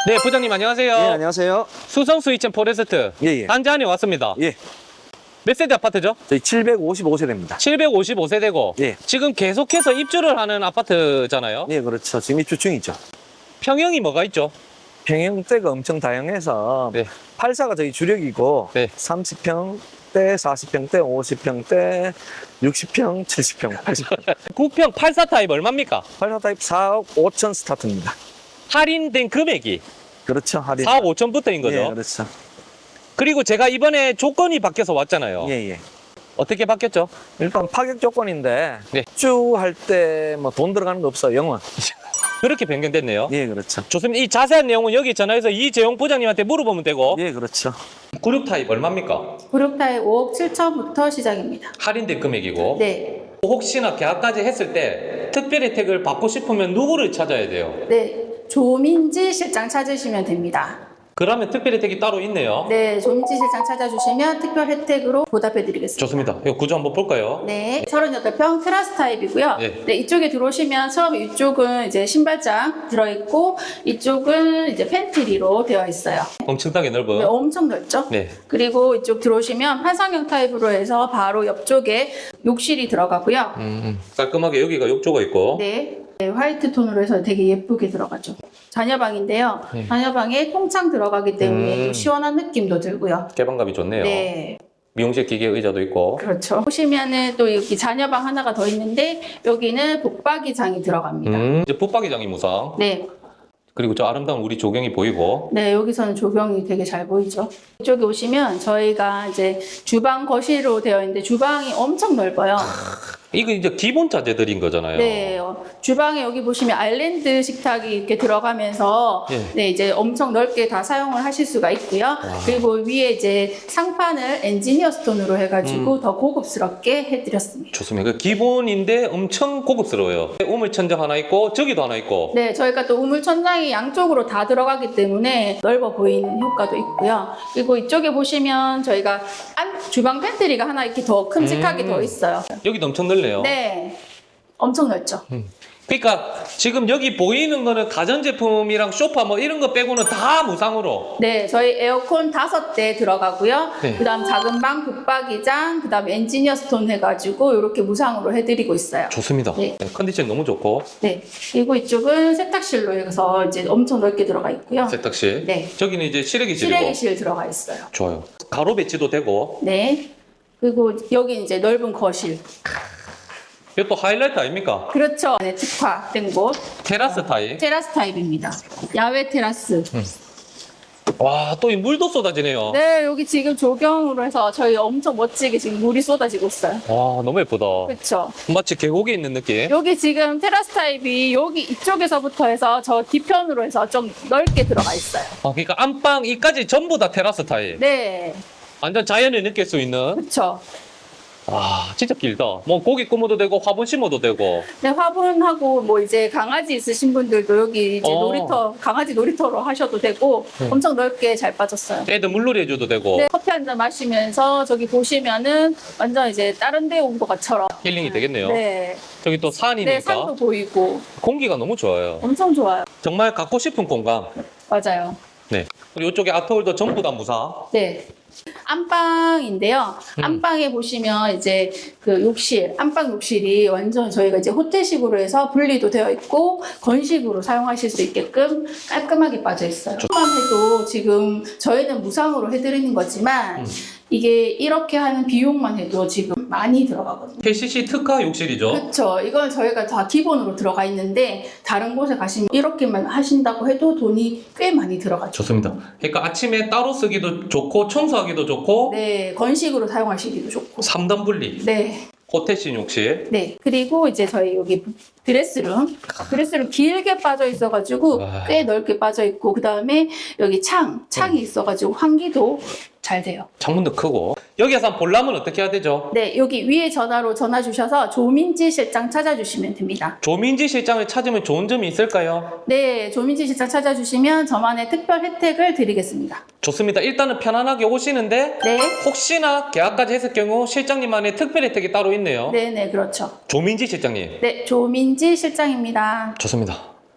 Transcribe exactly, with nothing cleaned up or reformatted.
네, 부장님 안녕하세요. 예, 안녕하세요. 수성 스위첸 포레스트 예, 예. 단지안에 왔습니다. 예, 몇 세대 아파트죠? 저희 칠백오십오 세대입니다. 칠백오십오 세대고 예. 지금 계속해서 입주를 하는 아파트잖아요. 예, 그렇죠. 지금 입주 중이죠. 평형이 뭐가 있죠? 평형대가 엄청 다양해서 네. 팔사가 저희 주력이고 네. 삼십 평대, 사십 평대, 오십 평대, 육십 평, 칠십 평, 팔십 평. 구평 팔사 타입 얼마입니까? 팔사 타입 사억 오천 스타트입니다. 할인된 금액이 그렇죠. 할인. 사억 오천부터인 거죠. 예, 그렇죠. 그리고 제가 이번에 조건이 바뀌어서 왔잖아요. 예, 예. 어떻게 바뀌었죠? 일단 파격 조건인데 네. 입주할 때 뭐 돈 들어가는 거 없어요. 영원. 그렇게 변경됐네요. 예, 그렇죠. 좋습니다. 이 자세한 내용은 여기 전화해서 이재용 부장님한테 물어보면 되고 예, 그렇죠. 그룹 타입 얼마입니까? 그룹 타입 오억 칠천부터 시작입니다. 할인된 금액이고 네. 혹시나 계약까지 했을 때 특별 혜택을 받고 싶으면 누구를 찾아야 돼요? 네. 조민지 실장 찾으시면 됩니다. 그러면 특별 혜택이 따로 있네요. 네. 조민지 실장 찾아주시면 특별 혜택으로 보답해드리겠습니다. 좋습니다. 이 구조 한번 볼까요? 네. 서른여덟 평 테라스 타입이고요. 네. 네. 이쪽에 들어오시면 처음 이쪽은 이제 신발장 들어있고 이쪽은 이제 팬트리로 되어 있어요. 엄청나게 넓은. 네, 엄청 넓죠? 네. 그리고 이쪽 들어오시면 환상형 타입으로 해서 바로 옆쪽에 욕실이 들어가고요. 음, 음. 깔끔하게 여기가 욕조가 있고. 네. 네, 화이트 톤으로 해서 되게 예쁘게 들어가죠. 자녀방인데요. 네. 자녀방에 통창 들어가기 때문에 음. 또 시원한 느낌도 들고요. 개방감이 좋네요. 네, 미용실 기계 의자도 있고. 그렇죠. 보시면은 또 여기 자녀방 하나가 더 있는데 여기는 북박이장이 들어갑니다. 음, 이제 붙박이장이 무상. 네, 그리고 저 아름다운 우리 조경이 보이고. 네, 여기서는 조경이 되게 잘 보이죠. 이쪽에 오시면 저희가 이제 주방 거실로 되어 있는데 주방이 엄청 넓어요. 이거 이제 기본 자재들인 거잖아요. 네, 어, 주방에 여기 보시면 아일랜드 식탁이 이렇게 들어가면서 예. 네, 이제 엄청 넓게 다 사용을 하실 수가 있고요. 그리고 위에 이제 상판을 엔지니어 스톤으로 해가지고 음. 더 고급스럽게 해드렸습니다. 좋습니다. 그 기본인데 엄청 고급스러워요. 우물 천장 하나 있고 저기도 하나 있고. 네, 저희가 또 우물 천장이 양쪽으로 다 들어가기 때문에 넓어 보이는 효과도 있고요. 그리고 이쪽에 보시면 저희가 안, 주방 팬트리가 하나 이렇게 더 큼직하게 음. 더 있어요. 여기도 엄청 넓네요. 네, 엄청 넓죠. 그러니까 지금 여기 보이는 거는 가전제품이랑 소파 뭐 이런 거 빼고는 다 무상으로. 네, 저희 에어컨 다섯 대 들어가고요. 네. 그다음 작은 방 붙박이장, 그다음 엔지니어 스톤 해가지고 이렇게 무상으로 해드리고 있어요. 좋습니다. 네. 컨디션 너무 좋고. 네, 그리고 이쪽은 세탁실로 해서 이제 엄청 넓게 들어가 있고요. 세탁실. 네. 저기는 이제 실외기실이고. 실외기실 들어가 있어요. 좋아요. 가로 배치도 되고. 네, 그리고 여기 이제 넓은 거실. 이거 또 하이라이트 아닙니까? 그렇죠. 네, 특화된 곳. 테라스 타입. 테라스 타입입니다. 야외 테라스. 와, 또 이 물도 쏟아지네요. 네, 여기 지금 조경으로 해서 저희 엄청 멋지게 지금 물이 쏟아지고 있어요. 와, 너무 예쁘다. 그렇죠. 마치 계곡에 있는 느낌. 여기 지금 테라스 타입이 여기 이쪽에서부터 해서 저 뒤편으로 해서 좀 넓게 들어가 있어요. 아, 그러니까 안방 이까지 전부 다 테라스 타입. 네, 완전 자연을 느낄 수 있는. 그렇죠. 와, 진짜 길다. 뭐 고기 구워도 되고 화분 심어도 되고. 네, 화분하고 뭐 이제 강아지 있으신 분들도 여기 이제 어. 놀이터, 강아지 놀이터로 하셔도 되고 네. 엄청 넓게 잘 빠졌어요. 애들 물놀이 해줘도 되고. 네, 커피 한 잔 마시면서 저기 보시면은 완전 이제 다른 데 온 것처럼. 힐링이 되겠네요. 네, 저기 또 산이니까 네, 산도 보이고 공기가 너무 좋아요. 엄청 좋아요. 정말 갖고 싶은 공간. 맞아요. 네. 그리고 이쪽에 아트홀도 전부 다 무상. 네. 안방인데요. 음. 안방에 보시면 이제 그 욕실, 안방 욕실이 완전 저희가 이제 호텔식으로 해서 분리도 되어 있고 건식으로 사용하실 수 있게끔 깔끔하게 빠져 있어요. 조금만 해도 지금 저희는 무상으로 해드리는 거지만 음. 이게 이렇게 하는 비용만 해도 지금 많이 들어가거든요. 케이씨씨 특화 욕실이죠. 그렇죠. 이건 저희가 다 기본으로 들어가 있는데 다른 곳에 가시면 이렇게만 하신다고 해도 돈이 꽤 많이 들어가죠. 좋습니다. 그러니까 아침에 따로 쓰기도 좋고 청소하기도 좋고 네, 건식으로 사용하시기도 좋고. 삼 단 분리. 네. 호텔식 욕실. 네. 그리고 이제 저희 여기 드레스룸. 드레스룸 길게 빠져 있어가지고 와. 꽤 넓게 빠져 있고, 그 다음에 여기 창, 창이 있어가지고 환기도 잘 돼요. 창문도 크고. 여기에서 한번 보려면 어떻게 해야 되죠? 네. 여기 위에 전화로 전화 주셔서 조민지 실장 찾아주시면 됩니다. 조민지 실장을 찾으면 좋은 점이 있을까요? 네. 조민지 실장 찾아주시면 저만의 특별 혜택을 드리겠습니다. 좋습니다. 일단은 편안하게 오시는데 네. 혹시나 계약까지 했을 경우 실장님만의 특별 혜택이 따로 있네요. 네네. 그렇죠. 조민지 실장님. 네. 조민지 실장입니다. 좋습니다.